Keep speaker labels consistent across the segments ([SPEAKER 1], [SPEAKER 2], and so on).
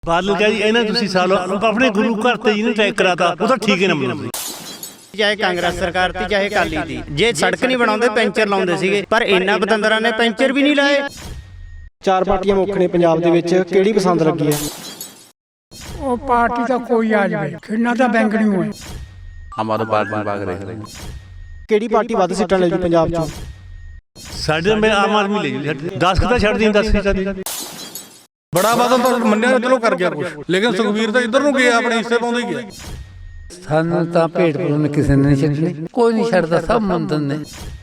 [SPEAKER 1] ਬਾਦਲ ਕਿਹਾ ਜੀ ਇਹਨਾਂ ਤੁਸੀਂ ਸਾਲ ਆਪਣੇ ਗੁਰੂ ਘਰ ਤੇ ਜਿਹਨੇ ਅਟੈਕ ਕਰਾਤਾ ਉਹ ਤਾਂ ਠੀਕ ਹੀ ਨਾ ਮੰਨੋ।
[SPEAKER 2] ਚਾਹੇ ਕਾਂਗਰਸ ਸਰਕਾਰ ਤੀ ਚਾਹੇ ਅਕਾਲੀ ਤੀ, ਜੇ ਸੜਕ ਨਹੀਂ ਬਣਾਉਂਦੇ ਪੈਂਚਰ ਲਾਉਂਦੇ ਸੀਗੇ, ਪਰ ਇਹਨਾਂ ਬਤੰਦਰਾਂ ਨੇ ਪੈਂਚਰ ਵੀ ਨਹੀਂ ਲਾਏ।
[SPEAKER 3] ਚਾਰ ਪਾਰਟੀਆਂ ਮੁੱਖ ਨੇ ਪੰਜਾਬ ਦੇ ਵਿੱਚ, ਕਿਹੜੀ ਪਸੰਦ ਲੱਗੀ ਹੈ?
[SPEAKER 4] ਉਹ ਪਾਰਟੀ ਤਾਂ ਕੋਈ ਆ ਜਾਵੇ, ਖਿੰਨਾ ਤਾਂ ਬੈਂਕ ਨਹੀਂ ਹੋਏ।
[SPEAKER 5] हमारे पार्टी में भाग रहे हैं।
[SPEAKER 3] ਕਿਹੜੀ ਪਾਰਟੀ ਵੱਧ ਸੀਟਾਂ ਲੈ ਜੂ ਪੰਜਾਬ 'ਚੋਂ?
[SPEAKER 1] ਸਾਡੇ ਮੈਂ ਆਮ ਆਦਮੀ ਲੈ ਜੂ 10 ਕਿਤਾ ਛੱਡ ਦੀ 10 ਸੀਟਾਂ ਦੀ।
[SPEAKER 6] ਬੜਾ ਬਾਦਲ ਤਾਂ ਮੰਨਿਆ ਚਲੋ ਕਰ ਗਿਆ ਕੁਝ, ਲੇਕਿਨ ਸੁਖਵੀਰ ਤਾਂ ਇੱਧਰ ਨੂੰ ਗਿਆ, ਆਪਣੇ ਹਿੱਸੇ ਪਾਉਂਦਾ ਹੀ ਗਿਆ।
[SPEAKER 7] ਸਾਨੂੰ ਤਾਂ ਭੇਡ ਭਰੂਣ ਕਿਸੇ ਨੇ ਨਹੀਂ ਛੱਡਣੀ, ਕੋਈ ਨਹੀਂ ਛੱਡਦਾ, ਸਭ ਮੰਨਦੇ ਨੇ।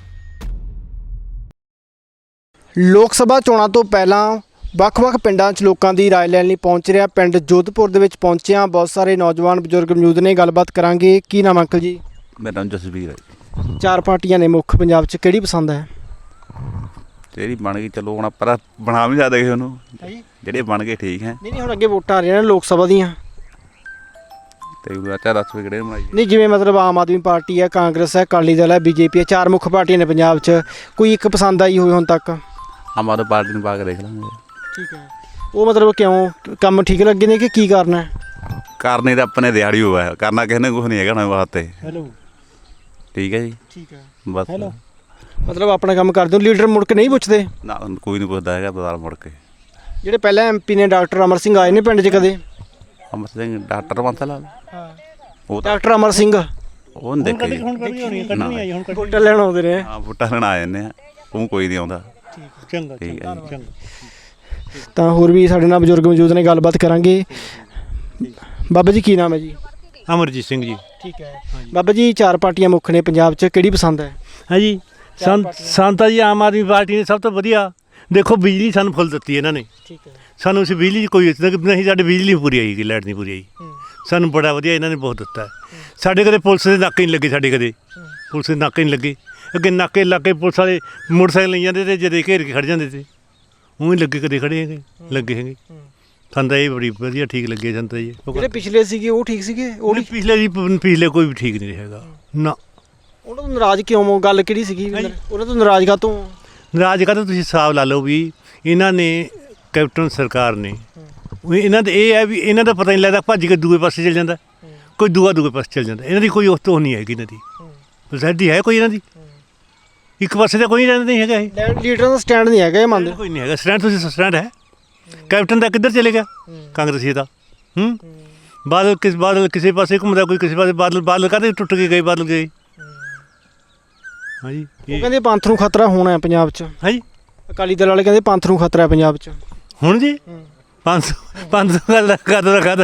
[SPEAKER 3] ਲੋਕ ਸਭਾ ਚੋਣਾਂ ਤੋਂ ਪਹਿਲਾਂ ਵੱਖ-ਵੱਖ ਪਿੰਡਾਂ 'ਚ ਲੋਕਾਂ ਦੀ ਰਾਏ ਲੈਣ ਲਈ ਪਹੁੰਚ ਰਿਹਾ। ਪਿੰਡ ਜੋਧਪੁਰ ਦੇ ਵਿੱਚ ਪਹੁੰਚਿਆ, ਬਹੁਤ ਸਾਰੇ ਨੌਜਵਾਨ ਬਜ਼ੁਰਗ ਮੌਜੂਦ ਨੇ, ਗੱਲਬਾਤ ਕਰਾਂਗੇ। ਕੀ ਨਾਮ ਅੰਕਲ ਜੀ?
[SPEAKER 5] मेरा नाम जसवीर है।
[SPEAKER 3] ਚਾਰ ਪਾਰਟੀਆਂ ਨੇ ਮੁੱਖ ਪੰਜਾਬ 'ਚ, ਕਿਹੜੀ ਪਸੰਦ ਹੈ?
[SPEAKER 5] तेरी बन गई चलो हम पर बना भी ज्यादा गए उन्होंने जेडे बन गए ठीक है।
[SPEAKER 3] ਨਹੀਂ ਹੁਣ ਅੱਗੇ ਵੋਟਾਂ ਆ ਰਹੀਆਂ ਨੇ ਲੋਕ ਸਭਾ ਦੀਆਂ।
[SPEAKER 5] ਤੇ ਅੱਛਾ 10 ਵੀ ਕਿਹੜੇ ਬਣਾਈ
[SPEAKER 3] ਨਹੀਂ ਜਿਵੇਂ ਮਤਲਬ ਆਮ ਆਦਮੀ ਪਾਰਟੀ ਹੈ, ਕਾਂਗਰਸ ਹੈ, ਅਕਾਲੀ ਦਲ ਹੈ, ਬੀਜੇਪੀ ਹੈ, ਚਾਰ ਮੁੱਖ ਪਾਰਟੀਆਂ ਨੇ ਪੰਜਾਬ 'ਚ, ਕੋਈ ਇੱਕ ਪਸੰਦ ਆਈ ਹੋਈ ਹੁਣ ਤੱਕ?
[SPEAKER 5] हमारे पार्टी में भाग देख लेंगे।
[SPEAKER 3] ਠੀਕ ਹੈ, ਉਹ ਮਤਲਬ ਕਿਉਂ ਕੰਮ ਠੀਕ ਲੱਗੇ ਨੇ ਕਿ ਕੀ ਕਰਨਾ ਹੈ?
[SPEAKER 5] करने तो अपने दिहाड़ी हुआ है, करना किसी ने कुछ नहीं है ना वास्ते।
[SPEAKER 3] ਹੈਲੋ
[SPEAKER 5] ठीक है जी।
[SPEAKER 3] ਠੀਕ ਹੈ,
[SPEAKER 5] बस
[SPEAKER 3] ਹੈਲੋ ਮਤਲਬ ਆਪਣਾ ਕੰਮ ਕਰਦੇ ਹੋ, ਲੀਡਰ ਮੁੜ ਕੇ ਨਹੀਂ ਪੁੱਛਦੇ?
[SPEAKER 5] ना कोई नहीं पूछता है बाजार मुड़ के।
[SPEAKER 3] ਜਿਹੜੇ ਪਹਿਲਾਂ ਐਮਪੀ ਨੇ ਡਾਕਟਰ ਅਮਰ ਸਿੰਘ ਆਏ ਨੇ ਪਿੰਡ 'ਚ ਕਦੇ?
[SPEAKER 5] अमर सिंह डॉक्टर बंसल
[SPEAKER 3] ਹਾਂ
[SPEAKER 5] वो
[SPEAKER 3] ਡਾਕਟਰ ਅਮਰ ਸਿੰਘ
[SPEAKER 5] वो नहीं देखे जी।
[SPEAKER 3] ਵੋਟਾਂ ਲੈਣ ਆਉਂਦੇ ਨੇ।
[SPEAKER 5] हाँ वोटा लेना आ जाने वो कोई नहीं आता।
[SPEAKER 1] ਚੰਗਾ
[SPEAKER 5] ठीक है जी।
[SPEAKER 3] ਤਾਂ ਹੋਰ ਵੀ ਸਾਡੇ ਨਾਲ ਬਜ਼ੁਰਗ ਮੌਜੂਦ ਨੇ, ਗੱਲਬਾਤ ਕਰਾਂਗੇ। ਬਾਬਾ ਜੀ ਕੀ ਨਾਮ ਹੈ ਜੀ?
[SPEAKER 1] ਅਮਰਜੀਤ ਸਿੰਘ ਜੀ।
[SPEAKER 3] ਠੀਕ ਹੈ ਬਾਬਾ ਜੀ, ਚਾਰ ਪਾਰਟੀਆਂ ਮੁੱਖ ਨੇ ਪੰਜਾਬ 'ਚ, ਕਿਹੜੀ ਪਸੰਦ ਹੈ?
[SPEAKER 1] ਹਾਂਜੀ ਸੰਤਾ ਜੀ ਆਮ ਆਦਮੀ ਪਾਰਟੀ ਨੇ ਸਭ ਤੋਂ ਵਧੀਆ ਦੇਖੋ ਬਿਜਲੀ ਸਾਨੂੰ ਫੁੱਲ ਦਿੱਤੀ ਇਹਨਾਂ ਨੇ।
[SPEAKER 3] ਠੀਕ ਹੈ
[SPEAKER 1] ਸਾਨੂੰ ਅਸੀਂ ਬਿਜਲੀ 'ਚ ਕੋਈ ਨਹੀਂ, ਸਾਡੀ ਬਿਜਲੀ ਪੂਰੀ ਆਈ, ਲਾਈਟ ਨਹੀਂ ਪੂਰੀ ਆਈ। ਸਾਨੂੰ ਬੜਾ ਵਧੀਆ ਇਹਨਾਂ ਨੇ ਬਹੁਤ ਦਿੱਤਾ ਹੈ। ਸਾਡੇ ਕਦੇ ਪੁਲਿਸ ਦੇ ਨਾਕੇ ਨਹੀਂ ਲੱਗੇ, ਸਾਡੇ ਕਦੇ ਪੁਲਿਸ ਦੇ ਨਾਕੇ ਨਹੀਂ ਲੱਗੇ। ਅੱਗੇ ਨਾਕੇ ਲੱਗੇ ਪੁਲਿਸ ਵਾਲੇ ਮੋਟਰਸਾਈਕਲ ਲਈ ਜਾਂਦੇ ਤੇ ਜਦੇ ਘੇਰ ਕੇ ਖੜ ਜਾਂਦੇ ਤੇ, ਉਹ ਹੀ ਲੱਗੇ ਕਦੇ ਖੜੇ ਹੈਗੇ ਲੱਗੇ ਹੈਗੇ। ਸਾਨੂੰ ਤਾਂ ਇਹ ਬੜੀ ਵਧੀਆ ਠੀਕ ਲੱਗੇ ਸਾਨੂੰ ਤਾਂ ਜੀ।
[SPEAKER 3] ਜਿਹੜੇ ਪਿਛਲੇ ਸੀਗੇ ਉਹ ਠੀਕ ਸੀਗੇ? ਉਹ
[SPEAKER 1] ਉਹਨੇ ਪਿਛਲੇ ਕੋਈ ਵੀ ਠੀਕ ਨਹੀਂ ਹੈਗਾ ਨਾ।
[SPEAKER 3] ਉਹਨਾਂ ਤੋਂ ਨਾਰਾਜ਼ ਕਿਉਂ ਹੋ? ਗੱਲ ਕਿਹੜੀ ਸੀਗੀ? ਉਹਨਾਂ ਤੋਂ ਨਾਰਾਜ਼ ਕਾਹਤੋਂ?
[SPEAKER 1] ਰਾਜ ਕਾ ਤੁਸੀਂ ਹਿਸਾਬ ਲਾ ਲਓ ਵੀ ਇਹਨਾਂ ਨੇ ਕੈਪਟਨ ਸਰਕਾਰ ਨੇ ਇਹਨਾਂ ਦੇ ਇਹ ਹੈ ਵੀ ਇਹਨਾਂ ਦਾ ਪਤਾ ਨਹੀਂ ਲੱਗਦਾ, ਭੱਜ ਕੇ ਦੂਏ ਪਾਸੇ ਚਲ ਜਾਂਦਾ, ਕੋਈ ਦੂਏ ਪਾਸੇ ਚਲ ਜਾਂਦਾ। ਇਹਨਾਂ ਦੀ ਕੋਈ ਉਸ ਤੋਂ ਨਹੀਂ ਹੈਗੀ, ਇਹਨਾਂ ਦੀ ਸੋਸਾਇਟੀ ਹੈ ਕੋਈ ਇਹਨਾਂ ਦੀ, ਇੱਕ ਪਾਸੇ ਤਾਂ ਕੋਈ ਰਹਿੰਦਾ ਨਹੀਂ ਹੈਗਾ। ਇਹ
[SPEAKER 3] ਲੀਡਰਾਂ ਦਾ ਸਟੈਂਡ ਨਹੀਂ ਹੈਗਾ, ਇਹ ਮੰਨਦੇ?
[SPEAKER 1] ਕੋਈ ਨਹੀਂ ਹੈਗਾ ਸਟੈਂਡ। ਤੁਸੀਂ ਸਟੈਂਡ ਹੈ ਕੈਪਟਨ ਦਾ ਕਿੱਧਰ ਚਲੇ ਗਿਆ? ਕਾਂਗਰਸੀ ਦਾ ਬਾਦਲ ਕਿਸੇ ਪਾਸੇ ਘੁੰਮਦਾ, ਕੋਈ ਕਿਸੇ ਪਾਸੇ। ਬਾਦਲ ਕਾਹਦੇ ਟੁੱਟ ਕੇ ਗਏ? ਬਾਦਲ ਗਏ ਹਾਂਜੀ।
[SPEAKER 3] ਉਹ ਕਹਿੰਦੇ ਪੰਥ ਨੂੰ ਖਤਰਾ ਹੋਣਾ ਹੈ ਪੰਜਾਬ 'ਚ।
[SPEAKER 1] ਹਾਂਜੀ
[SPEAKER 3] ਅਕਾਲੀ ਦਲ ਵਾਲੇ ਕਹਿੰਦੇ ਪੰਥ ਨੂੰ ਖਤਰਾ ਹੈ ਪੰਜਾਬ 'ਚ।
[SPEAKER 1] ਹੁਣ ਜੀ 500 ਗੱਲ ਦਾ ਕਾਹਦਾ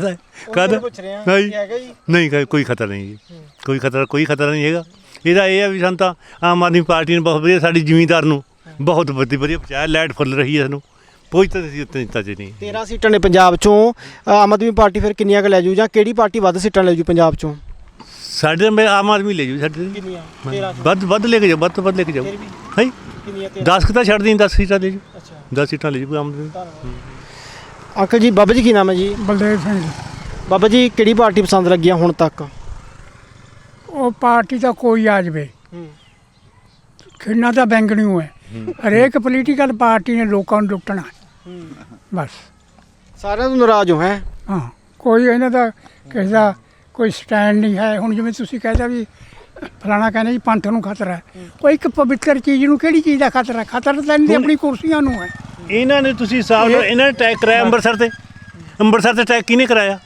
[SPEAKER 1] ਨਹੀਂ, ਕੋਈ ਖਤਰਾ ਨਹੀਂ ਜੀ, ਕੋਈ ਖਤਰਾ ਨਹੀਂ ਹੈਗਾ। ਇਹਦਾ ਇਹ ਹੈ ਵੀ ਸਾਨੂੰ ਤਾਂ ਆਮ ਆਦਮੀ ਪਾਰਟੀ ਨੇ ਬਹੁਤ ਵਧੀਆ, ਸਾਡੀ ਜ਼ਿਮੀਂਦਾਰ ਨੂੰ ਬਹੁਤ ਵਧੀਆ ਪਹੁੰਚਾਇਆ, ਲਾਈਟ ਫੁੱਲ ਰਹੀ ਹੈ ਸਾਨੂੰ, ਕੋਈ ਤਾਂ ਅਸੀਂ ਉੱਤੇ ਦਿੱਤਾ ਜੀ ਨਹੀਂ। 13
[SPEAKER 3] ਸੀਟਾਂ ਨੇ ਪੰਜਾਬ 'ਚੋਂ, ਆਮ ਆਦਮੀ ਪਾਰਟੀ ਫਿਰ ਕਿੰਨੀਆਂ ਕੁ ਲੈ ਜੂ, ਜਾਂ ਕਿਹੜੀ ਪਾਰਟੀ ਵੱਧ ਸੀਟਾਂ ਲੈ ਜੂ ਪੰਜਾਬ 'ਚੋਂ?
[SPEAKER 1] ਸਾਡੇ ਮੈਂ ਆਮ ਆਦਮੀ ਲੈ ਜੂ, ਸਾਡੇ ਵੱਧ ਲੈ ਕੇ ਜਾਓ, ਵੱਧ ਤੋਂ ਵੱਧ ਲੈ ਕੇ ਜਾਓ। ਹਾਂ 10 ਕਿਤਾ ਛੱਡ ਦੀ 10 ਸੀਟਾਂ ਲੈ ਜੂ, 10 ਸੀਟਾਂ ਲੈ ਜੂ ਆਮ ਆਦਮੀ।
[SPEAKER 3] ਅੰਕਲ ਜੀ, ਬਾਬਾ ਜੀ ਕੀ ਨਾਮ ਹੈ ਜੀ?
[SPEAKER 4] ਬਲਦੇਵ ਸਿੰਘ।
[SPEAKER 3] ਬਾਬਾ ਜੀ ਕਿਹੜੀ ਪਾਰਟੀ ਪਸੰਦ ਲੱਗੀ ਆ ਹੁਣ ਤੱਕ?
[SPEAKER 4] ਉਹ ਪਾਰਟੀ ਤਾਂ ਕੋਈ ਆ ਜਾਵੇ, ਖਿੰਨਾ ਤਾਂ ਬੈਂਕ ਨਹੀਂ ਹੋਏ। ਹਰੇਕ ਪੋਲੀਟੀਕਲ ਪਾਰਟੀ ਨੇ ਲੋਕਾਂ ਨੂੰ ਲੁੱਟਣਾ ਬਸ।
[SPEAKER 3] ਸਾਰਿਆਂ ਤੋਂ ਨਾਰਾਜ਼ ਹੋ? ਹੈ
[SPEAKER 4] ਹਾਂ, ਕੋਈ ਇਹਨਾਂ ਦਾ ਕਿਸੇ ਦਾ ਕੋਈ ਸਟੈਂਡ ਨਹੀਂ ਹੈ। ਹੁਣ ਜਿਵੇਂ ਤੁਸੀਂ ਕਹਿੰਦਾ ਵੀ ਫਲਾਣਾ ਕਹਿੰਦੇ ਜੀ ਪੰਥ ਨੂੰ ਖਤਰਾ ਹੈ, ਉਹ ਇੱਕ ਪਵਿੱਤਰ ਚੀਜ਼ ਨੂੰ ਕਿਹੜੀ ਚੀਜ਼ ਦਾ ਖਤਰਾ? ਖਤਰਾ ਤਾਂ ਇਹਨਾਂ ਦੀ ਆਪਣੀ ਕੁਰਸੀਆਂ ਨੂੰ ਹੈ।
[SPEAKER 1] ਇਹਨਾਂ ਨੇ ਤੁਸੀਂ ਹਿਸਾਬ ਨਾਲ ਇਹਨਾਂ ਨੇ ਅਟੈਕ ਕਰਾਇਆ ਅੰਮ੍ਰਿਤਸਰ ਤੇ ਅਟੈਕ ਕਿਹਨੇ ਕਰਾਇਆ?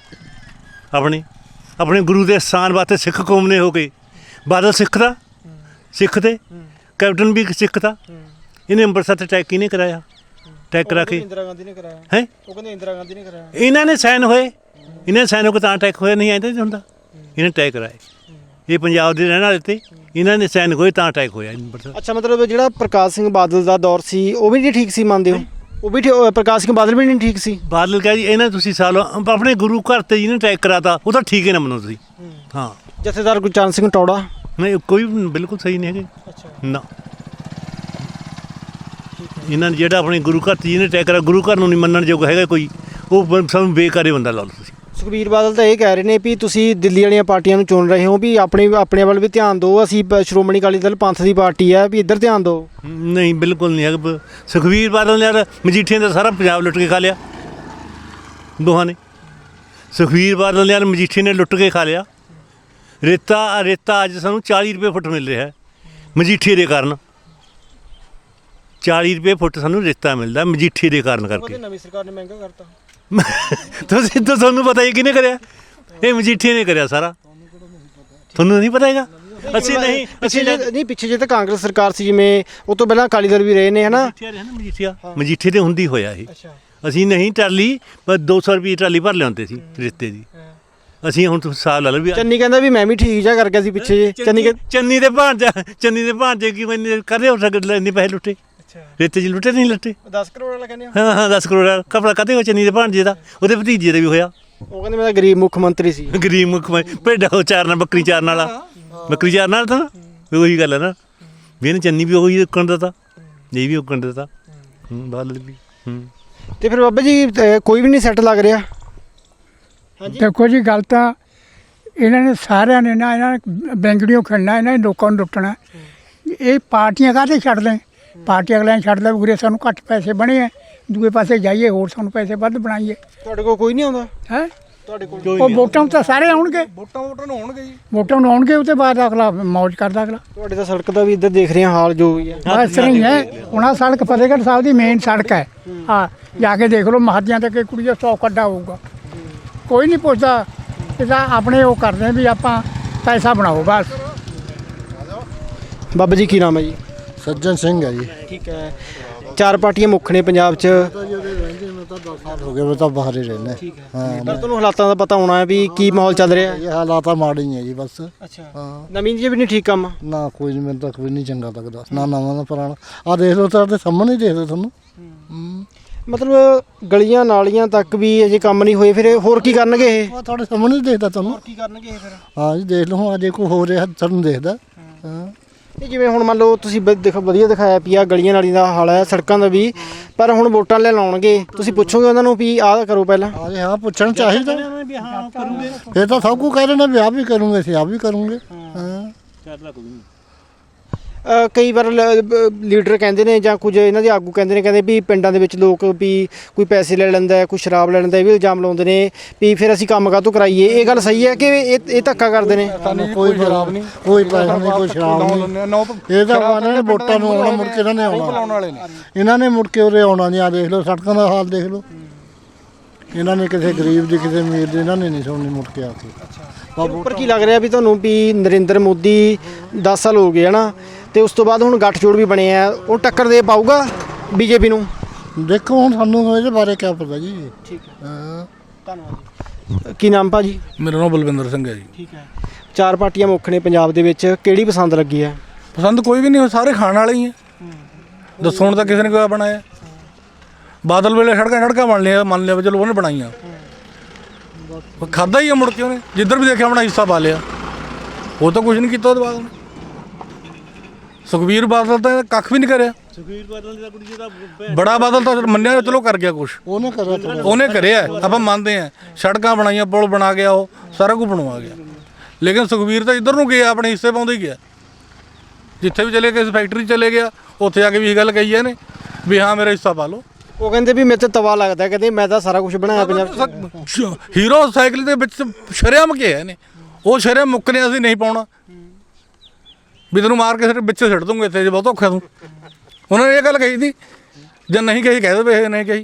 [SPEAKER 1] ਆਪਣੇ ਗੁਰੂ ਦੇ ਸਥਾਨ ਵਾਸਤੇ ਸਿੱਖ ਕੌਮ ਨੇ ਹੋ ਕੇ। ਬਾਦਲ ਸਿੱਖ ਤੇ ਕੈਪਟਨ ਵੀ ਸਿੱਖ ਦਾ। ਇਹਨੇ ਅੰਮ੍ਰਿਤਸਰ ਤੇ ਅਟੈਕ ਕਿਹਨੇ ਕਰਾਇਆ? ਅਟੈਕ ਕਰਾ ਕੇ
[SPEAKER 3] ਇੰਦਰਾ ਗਾਂਧੀ ਨੇ ਕਰਾਇਆ
[SPEAKER 1] ਹੈ।
[SPEAKER 3] ਉਹ ਕਹਿੰਦੇ ਇੰਦਰਾ ਗਾਂਧੀ ਨੇ ਕਰਾਇਆ।
[SPEAKER 1] ਇਹਨਾਂ ਨੇ ਸਾਈਨ ਹੋਏ ਕੋ ਤਾਂ ਅਟੈਕ ਹੋਇਆ, ਨਹੀਂ ਆਇਆ ਹੁੰਦਾ। ਇਹਨੇ ਅਟੈਕ ਕਰਾਏ, ਇਹ ਪੰਜਾਬ ਦੇ ਰਹਿਣ ਵਾਲੇ ਤੇ ਇਹਨਾਂ ਨੇ ਸਾਈਨ ਹੋਏ ਤਾਂ ਅਟੈਕ ਹੋਇਆ ਅੰਮ੍ਰਿਤਸਰ।
[SPEAKER 3] ਅੱਛਾ, ਮਤਲਬ ਜਿਹੜਾ ਪ੍ਰਕਾਸ਼ ਸਿੰਘ ਬਾਦਲ ਦਾ ਦੌਰ ਸੀ ਉਹ ਵੀ ਨਹੀਂ ਠੀਕ ਸੀ, ਮੰਨਦੇ ਹੋ? ਉਹ ਵੀ ਪ੍ਰਕਾਸ਼ ਸਿੰਘ ਬਾਦਲ ਵੀ ਨਹੀਂ ਠੀਕ ਸੀ?
[SPEAKER 1] ਬਾਦਲ ਕਿਹਾ ਜੀ ਇਹਨਾਂ ਤੁਸੀਂ ਸਾਲ ਆਪਣੇ ਗੁਰੂ ਘਰ ਤੇ ਜਿਹਨੇ ਅਟੈਕ ਕਰਾਤਾ ਉਹ ਤਾਂ ਠੀਕ ਹੀ ਨਾ ਮੰਨੋ ਤੁਸੀਂ। ਹਾਂ
[SPEAKER 3] ਜਥੇਦਾਰ ਗੁਰਚਰਨ ਸਿੰਘ ਟੌੜਾ?
[SPEAKER 1] ਨਹੀਂ, ਕੋਈ ਬਿਲਕੁਲ ਸਹੀ ਨਹੀਂ ਹੈਗੇ ਨਾ। ਇਹਨਾਂ ਨੇ ਜਿਹੜਾ ਆਪਣੇ ਗੁਰੂ ਘਰ ਤੇ ਜਿਹਨੇ ਅਟੈਕ ਕਰਾ, ਗੁਰੂ ਘਰ ਨੂੰ ਨਹੀਂ ਮੰਨਣ ਯੋਗ ਹੈਗਾ ਕੋਈ, ਉਹ ਸਾਨੂੰ ਬੇਕਾਰੇ ਬੰਦਾ ਲਾ ਲਓ ਤੁਸੀਂ।
[SPEAKER 3] ਸੁਖਬੀਰ ਬਾਦਲ ਤਾਂ ਇਹ ਕਹਿ ਰਹੇ ਨੇ ਵੀ ਤੁਸੀਂ ਦਿੱਲੀ ਵਾਲੀਆਂ ਪਾਰਟੀਆਂ ਨੂੰ ਚੁਣ ਰਹੇ ਹੋ, ਵੀ ਆਪਣੇ ਵੱਲ ਵੀ ਧਿਆਨ ਦਿਓ, ਅਸੀਂ ਸ਼੍ਰੋਮਣੀ ਅਕਾਲੀ ਦਲ ਪੰਥ ਦੀ ਪਾਰਟੀ ਹੈ, ਵੀ ਇੱਧਰ ਧਿਆਨ ਦਿਓ।
[SPEAKER 1] ਨਹੀਂ ਬਿਲਕੁਲ ਨਹੀਂ ਹੈਗਾ। ਸੁਖਬੀਰ ਬਾਦਲ ਨੇ ਯਾਰ ਮਜੀਠੀਆਂ ਦਾ ਸਾਰਾ ਪੰਜਾਬ ਲੁੱਟ ਕੇ ਖਾ ਲਿਆ। ਦੋਹਾਂ ਨੇ। ਸੁਖਬੀਰ ਬਾਦਲ ਨੇ ਮਜੀਠੀ ਨੇ ਲੁੱਟ ਕੇ ਖਾ ਲਿਆ। ਰੇਤਾ ਅੱਜ ਸਾਨੂੰ 40 ਰੁਪਏ ਫੁੱਟ ਮਿਲ ਰਿਹਾ ਹੈ ਮਜੀਠੀ ਦੇ ਕਾਰਨ। 40 ਰੁਪਏ ਫੁੱਟ ਸਾਨੂੰ ਰੇਤਾ ਮਿਲਦਾ ਮਜੀਠੀ ਦੇ ਕਾਰਨ ਕਰਕੇ।
[SPEAKER 3] ਨਵੀਂ ਸਰਕਾਰ ਨੇ ਮਹਿੰਗਾ ਕਰਤਾ।
[SPEAKER 1] ਤੁਸੀਂ ਤਾਂ ਤੁਹਾਨੂੰ ਪਤਾ ਹੀ ਕਿਹਨੇ ਕਰਿਆ? ਇਹ ਮਜੀਠੀ ਨੇ ਕਰਿਆ ਸਾਰਾ। ਤੁਹਾਨੂੰ ਨਹੀਂ ਪਤਾ ਹੈਗਾ? ਅਸੀਂ ਨਹੀਂ
[SPEAKER 3] ਪਿੱਛੇ ਜੇ ਤਾਂ ਕਾਂਗਰਸ ਸਰਕਾਰ ਸੀ, ਜਿਵੇਂ ਉਹ ਤੋਂ ਪਹਿਲਾਂ ਅਕਾਲੀ ਦਲ ਵੀ ਰਹੇ ਨੇ, ਹਨਾ।
[SPEAKER 1] ਮਜੀਠੀ ਤੇ ਹੁੰਦੀ ਹੋਇਆ ਇਹ। ਅਸੀਂ ਨਹੀਂ ਟਰਾਲੀ ਪਰ 200 ਰੁਪਏ ਟਰਾਲੀ ਭਰ ਲਿਆਉਂਦੇ ਸੀ ਰੇਤੇ ਦੀ। ਅਸੀਂ ਹੁਣ ਸਾਲ ਲਾ ਲਓ ਵੀ
[SPEAKER 3] ਚੰਨੀ ਕਹਿੰਦਾ ਵੀ ਮੈਂ ਵੀ ਠੀਕ ਜਾ ਕਰ ਗਿਆ ਸੀ ਪਿੱਛੇ ਜੇ।
[SPEAKER 1] ਚੰਨੀ ਦੇ ਭਾਂਜੇ ਕੀ ਮੈਨੇ ਕਦੇ ਹੋ ਸਕਦਾ ਇੰਨੇ ਪੈਸੇ ਲੁੱਟੇ? ਰੇਤੇ 'ਚ ਲੁੱਟੇ ਨਹੀਂ ਲੁੱਟੇ?
[SPEAKER 3] 10 ਕਰੋੜ ਵਾਲਾ ਕਹਿੰਦੇ
[SPEAKER 1] ਹਾਂ 10 ਕਰੋੜ ਵਾਲਾ ਕਪੜਾ ਕਦੇ ਹੋ ਚੰਨੀ ਦੇ ਭਾਂਜੇ ਦਾ, ਉਹਦੇ ਭਤੀਜੇ ਦਾ ਵੀ ਹੋਇਆ।
[SPEAKER 3] ਉਹ ਕਹਿੰਦੇ ਮੈਂ ਗਰੀਬ ਮੁੱਖ ਮੰਤਰੀ ਸੀ।
[SPEAKER 1] ਗਰੀਬ ਮੁੱਖ ਭੇਡਾਂ ਉਹ ਚਾਰਨਾ, ਬੱਕਰੀ ਚਾਰਨ ਵਾਲਾ। ਬੱਕਰੀ ਚਾਰਨ ਵਾਲਾ ਤਾਂ ਉਹੀ ਗੱਲ ਹੈ ਨਾ ਵੀ ਇਹਨੇ ਚੰਨੀ ਵੀ ਉਹੀ ਉੱਕਣ ਦਾ ਤਾ, ਇਹ ਵੀ ਉੱਕਣ ਦਾ ਤਾ। ਬਾਦਲ ਵੀ।
[SPEAKER 3] ਤੇ ਫਿਰ ਬਾਬਾ ਜੀ ਕੋਈ ਵੀ ਨਹੀਂ ਸੈੱਟ ਲੱਗ ਰਿਹਾ?
[SPEAKER 4] ਦੇਖੋ ਜੀ, ਗੱਲ ਤਾਂ ਇਹਨਾਂ ਨੇ ਸਾਰਿਆਂ ਨੇ ਨਾ, ਇਹਨਾਂ ਨੇ ਬੈਂਗੜੀਆਂ ਖੜਨਾ, ਇਹਨਾਂ ਨੇ ਲੋਕਾਂ ਨੂੰ ਲੁੱਟਣਾ। ਇਹ ਪਾਰਟੀਆਂ ਕਾਹਤੇ ਛੱਡ ਲੈ? ਪਾਰਟੀ ਅਗਲਿਆਂ ਨੇ ਛੱਡ ਲੈ ਉਰੇ ਸਾਨੂੰ ਘੱਟ ਪੈਸੇ ਬਣੇ ਆ, ਦੂਏ ਪਾਸੇ ਜਾਈਏ ਹੋਰ ਸਾਨੂੰ ਪੈਸੇ ਵੱਧ ਬਣਾਈਏ।
[SPEAKER 3] ਤੁਹਾਡੇ ਕੋਲ ਕੋਈ ਨਹੀਂ ਆਉਂਦਾ?
[SPEAKER 4] ਹੈ
[SPEAKER 3] ਤੁਹਾਡੇ ਕੋਲ
[SPEAKER 4] ਉਹ ਵੋਟਾਂ ਨੂੰ ਤਾਂ ਸਾਰੇ ਆਉਣਗੇ।
[SPEAKER 6] ਵੋਟਾਂ ਨੂੰ ਆਉਣਗੇ ਜੀ।
[SPEAKER 4] ਵੋਟਾਂ ਨੂੰ ਆਉਣਗੇ, ਉਹ ਤੋਂ ਬਾਅਦ ਅਗਲਾ ਮੌਜ ਕਰਦਾ ਅਗਲਾ।
[SPEAKER 3] ਤੁਹਾਡੇ ਤਾਂ ਸੜਕ ਦਾ ਵੀ ਇੱਧਰ ਦੇਖ ਰਹੇ ਹਾਂ ਹਾਲ ਜੋ ਵੀ ਹੈ।
[SPEAKER 4] ਬਸ ਨਹੀਂ ਹੈ ਹੁਣ ਆਹ ਸੜਕ ਫਤਿਹਗੜ੍ਹ ਸਾਹਿਬ ਦੀ ਮੇਨ ਸੜਕ ਹੈ। ਹਾਂ ਜਾ ਕੇ ਦੇਖ ਲਓ, ਮਹਾਜਿਆਂ ਤੇ ਕਿ ਕੁੜੀ ਦਾ 100 ਕੱਢਾ ਹੋਊਗਾ, ਕੋਈ ਨਹੀਂ ਪੁੱਛਦਾ। ਇਹਦਾ ਆਪਣੇ ਉਹ ਕਰਦੇ ਵੀ ਆਪਾਂ ਪੈਸਾ ਬਣਾਓ ਬਸ।
[SPEAKER 3] ਬਾਬਾ ਜੀ ਕੀ ਨਾਮ ਹੈ ਜੀ?
[SPEAKER 8] ਸੱਜਣ ਸਿੰਘ ਹੈ ਜੀ।
[SPEAKER 3] ਠੀਕ ਹੈ। 4 ਪਾਰਟੀਆਂ ਮੁੱਖ ਨੇ ਪੰਜਾਬ 'ਚ।
[SPEAKER 8] ਹੋ ਗਏ, ਮੈਂ ਤਾਂ ਬਾਹਰ ਹੀ ਰਹਿੰਦਾ। ਹਾਂ,
[SPEAKER 3] ਪਰ ਤੁਹਾਨੂੰ ਹਾਲਾਤਾਂ ਦਾ ਪਤਾ ਹੋਣਾ ਹੈ ਵੀ ਕੀ ਮਾਹੌਲ ਚੱਲ ਰਿਹਾ ਹੈ।
[SPEAKER 8] ਇਹ ਹਾਲਾਤ ਤਾਂ ਮਾੜੇ ਹੀ ਹੈ ਜੀ ਬਸ।
[SPEAKER 3] ਅੱਛਾ।
[SPEAKER 8] ਹਾਂ,
[SPEAKER 3] ਨਵੀਂ ਜੀ ਵੀ ਨਹੀਂ ਠੀਕ ਕੰਮ?
[SPEAKER 8] ਨਾ ਕੋਈ ਨਹੀਂ, ਮੈਨੂੰ ਤਾਂ ਕੋਈ ਨਹੀਂ ਚੰਗਾ ਲੱਗਦਾ, ਨਾ ਨਵਾਂ ਨਾ ਪੁਰਾਣਾ। ਆਹ ਦੇਖ ਲਓ, ਤੁਹਾਡੇ ਸਾਹਮਣੇ ਹੀ ਦੇਖ ਲਓ ਤੁਹਾਨੂੰ।
[SPEAKER 3] ਮਤਲਬ ਗਲੀਆਂ ਨਾਲੀਆਂ ਤੱਕ ਵੀ ਅਜੇ ਕੰਮ ਨਹੀਂ ਹੋਏ, ਫਿਰ ਹੋਰ ਕੀ ਕਰਨਗੇ ਇਹ?
[SPEAKER 8] ਆਹ ਤੁਹਾਡੇ ਸਾਹਮਣੇ ਹੀ ਦੇਖਦਾ ਤੁਹਾਨੂੰ।
[SPEAKER 3] ਕੀ ਕਰਨਗੇ ਫਿਰ?
[SPEAKER 8] ਹਾਂ ਜੀ, ਦੇਖ ਲਓ ਹੁਣ ਅਜੇ ਕੋਈ ਹੋ ਰਿਹਾ ਤੁਹਾਨੂੰ ਦੇਖਦਾ। ਹਾਂ,
[SPEAKER 3] ਇਹ ਜਿਵੇਂ ਹੁਣ ਮੰਨ ਲਓ ਤੁਸੀਂ ਦੇਖੋ ਵਧੀਆ ਦਿਖਾਇਆ ਵੀ ਆ ਗਲੀਆਂ ਨਾਲੀਆਂ ਦਾ ਹਾਲ ਹੈ, ਸੜਕਾਂ ਦਾ ਵੀ, ਪਰ ਹੁਣ ਵੋਟਾਂ ਲੈ ਲਾਉਣਗੇ, ਤੁਸੀਂ ਪੁੱਛੋਗੇ ਉਹਨਾਂ ਨੂੰ ਵੀ ਆਹ ਕਰੋ ਪਹਿਲਾਂ?
[SPEAKER 8] ਹਾਂ ਜੀ, ਹਾਂ ਪੁੱਛਣਾ ਚਾਹੀਦਾ। ਫਿਰ ਤਾਂ ਸਭ ਕੁਝ ਕਹਿ ਰਹੇ ਨੇ ਵੀ ਆਹ ਵੀ ਕਰੂੰਗੇ, ਅਸੀਂ ਆਹ ਵੀ ਕਰੂੰਗੇ। ਹਾਂ,
[SPEAKER 3] ਕਈ ਵਾਰ ਲੀਡਰ ਕਹਿੰਦੇ ਨੇ ਜਾਂ ਕੁਝ ਇਹਨਾਂ ਦੇ ਆਗੂ ਕਹਿੰਦੇ ਨੇ ਵੀ ਪਿੰਡਾਂ ਦੇ ਵਿੱਚ ਲੋਕ ਵੀ ਕੋਈ ਪੈਸੇ ਲੈ ਲੈਂਦਾ, ਕੋਈ ਸ਼ਰਾਬ ਲੈ ਲੈਂਦਾ, ਇਹ ਵੀ ਇਲਜ਼ਾਮ ਲਾਉਂਦੇ ਨੇ ਵੀ ਫਿਰ ਅਸੀਂ ਕੰਮ ਕਾਹਤੋਂ ਕਰਾਈਏ। ਇਹ ਗੱਲ ਸਹੀ ਹੈ ਕਿ ਇਹ ਧੱਕਾ ਕਰਦੇ ਨੇ?
[SPEAKER 8] ਕੋਈ ਸ਼ਰਾਬ ਨਹੀਂ, ਕੋਈ ਪੈਸਾ ਨਹੀਂ, ਕੋਈ ਸ਼ਰਾਬ ਨਹੀਂ। ਇਹ ਤਾਂ ਇਹਨਾਂ ਨੇ ਵੋਟਾਂ ਨੂੰ ਆਉਣਾ, ਮੁੜ ਕੇ ਇਹਨਾਂ ਨੇ ਆਉਣਾ। ਇਹਨਾਂ ਨੇ ਮੁੜ ਕੇ ਉਰੇ ਆਉਣਾ ਨਹੀਂ। ਆ ਦੇਖ ਲਓ ਸੜਕਾਂ ਦਾ ਹਾਲ ਦੇਖ ਲਓ। ਇਹਨਾਂ ਨੇ ਕਿਸੇ ਗਰੀਬ ਦੀ, ਕਿਸੇ ਅਮੀਰ ਦੀ ਇਹਨਾਂ ਨੇ ਨਹੀਂ ਸੁਣਨੀ ਮੁੜ ਕੇ ਆ ਕੇ।
[SPEAKER 3] ਉੱਪਰ ਕੀ ਲੱਗ ਰਿਹਾ ਵੀ ਤੁਹਾਨੂੰ ਵੀ ਨਰਿੰਦਰ ਮੋਦੀ 10 ਸਾਲ ਹੋ ਗਏ ਹੈ ਨਾ, ਤੇ ਉਸ ਤੋਂ ਬਾਅਦ ਹੁਣ ਗੱਠਜੋੜ ਵੀ ਬਣੇ ਆ, ਉਹ ਟੱਕਰ ਦੇ ਪਾਊਗਾ ਬੀਜੇਪੀ ਨੂੰ?
[SPEAKER 8] ਦੇਖੋ ਹੁਣ ਸਾਨੂੰ ਇਹਦੇ ਬਾਰੇ ਕੀ ਪਤਾ ਜੀ।
[SPEAKER 3] ਠੀਕ ਹੈ,
[SPEAKER 8] ਹਾਂ,
[SPEAKER 3] ਧੰਨਵਾਦ। ਕੀ ਨਾਮ ਭਾਜੀ?
[SPEAKER 6] ਮੇਰਾ ਨਾਮ ਬਲਵਿੰਦਰ ਸਿੰਘ ਹੈ ਜੀ।
[SPEAKER 3] ਠੀਕ ਹੈ। 4 ਪਾਰਟੀਆਂ ਮੁੱਖ ਨੇ ਪੰਜਾਬ ਦੇ ਵਿੱਚ, ਕਿਹੜੀ ਪਸੰਦ ਲੱਗੀ ਹੈ?
[SPEAKER 6] ਪਸੰਦ ਕੋਈ ਵੀ ਨਹੀਂ, ਸਾਰੇ ਖਾਣ ਵਾਲੇ ਹੀ ਆ। ਦੱਸੋ ਹੁਣ ਤਾਂ ਕਿਸੇ ਨੇ ਕੋਈ ਬਣਾਇਆ? ਬਾਦਲ ਵੇਲੇ ਸੜਕਾਂ ਬਣ ਲਿਆ, ਮੰਨ ਲਿਆ ਚਲੋ ਉਹਨੇ ਬਣਾਈਆਂ, ਖਾਦਾ ਹੀ ਆ ਮੁੜ ਕੇ ਉਹਨੇ ਜਿੱਧਰ ਵੀ ਦੇਖਿਆ ਆਪਣਾ ਹਿੱਸਾ ਪਾ ਲਿਆ। ਉਹ ਤਾਂ ਕੁਝ ਨਹੀਂ ਕੀਤਾ ਉਹਦੇ ਬਾਅਦ ਉਹਨੇ। ਸੁਖਬੀਰ ਬਾਦਲ ਤਾਂ ਕੱਖ ਵੀ ਨਹੀਂ ਕਰਿਆ।
[SPEAKER 1] ਸੁਖਬੀਰ ਬਾਦਲ ਦਾ ਕੁੜੀ ਜਿਹਦਾ
[SPEAKER 6] ਬੜਾ ਬਾਦਲ ਤਾਂ ਮੰਨਿਆ ਚਲੋ ਕਰ ਗਿਆ ਕੁਛ,
[SPEAKER 8] ਉਹਨੇ
[SPEAKER 6] ਕਰਿਆ ਆਪਾਂ ਮੰਨਦੇ ਆ। ਸੜਕਾਂ ਬਣਾਈਆਂ, ਪੁਲ ਬਣਾ ਗਿਆ, ਉਹ ਸਾਰਾ ਕੁਝ ਬਣਵਾ ਗਿਆ। ਲੇਕਿਨ ਸੁਖਬੀਰ ਤਾਂ ਇੱਧਰ ਨੂੰ ਗਿਆ, ਆਪਣੇ ਹਿੱਸੇ ਪਾਉਂਦਾ ਹੀ ਗਿਆ। ਜਿੱਥੇ ਵੀ ਚਲੇ ਗਏ, ਫੈਕਟਰੀ ਚਲੇ ਗਿਆ, ਉੱਥੇ ਆ ਕੇ ਵੀ ਇਹ ਗੱਲ ਕਹੀ ਇਹਨੇ ਵੀ ਹਾਂ ਮੇਰਾ ਹਿੱਸਾ ਪਾ ਲਓ।
[SPEAKER 3] ਉਹ ਕਹਿੰਦੇ ਵੀ ਮੇਰੇ ਤੇ ਤਵਾ ਲੱਗਦਾ, ਕਹਿੰਦੇ ਮੈਂ ਤਾਂ ਸਾਰਾ ਕੁਝ ਬਣਾਇਆ ਪੰਜਾਬ 'ਚ।
[SPEAKER 6] ਹੀਰੋ ਸਾਈਕਲ ਦੇ ਵਿੱਚ ਸ਼ਰੇਆਮ ਕਿਹਾ ਇਹਨੇ, ਉਹ ਸ਼ਰੇਆਮ ਮੁੱਕਨੇ ਅਸੀਂ ਨਹੀਂ ਪਾਉਣਾ ਵੀ ਤੈਨੂੰ ਮਾਰ ਕੇ ਸਿਰ ਵਿੱਚ ਸਿੱਟ ਦੂੰਗੇ, ਇੱਥੇ ਜੇ ਬਹੁਤ ਔਖਾ ਤੂੰ। ਉਹਨਾਂ ਨੇ ਇਹ ਗੱਲ ਕਹੀ ਸੀ, ਜੇ ਨਹੀਂ ਕਹੀ ਕਹਿ ਦੇਵੇ ਇਹ ਨਹੀਂ ਕਹੀ।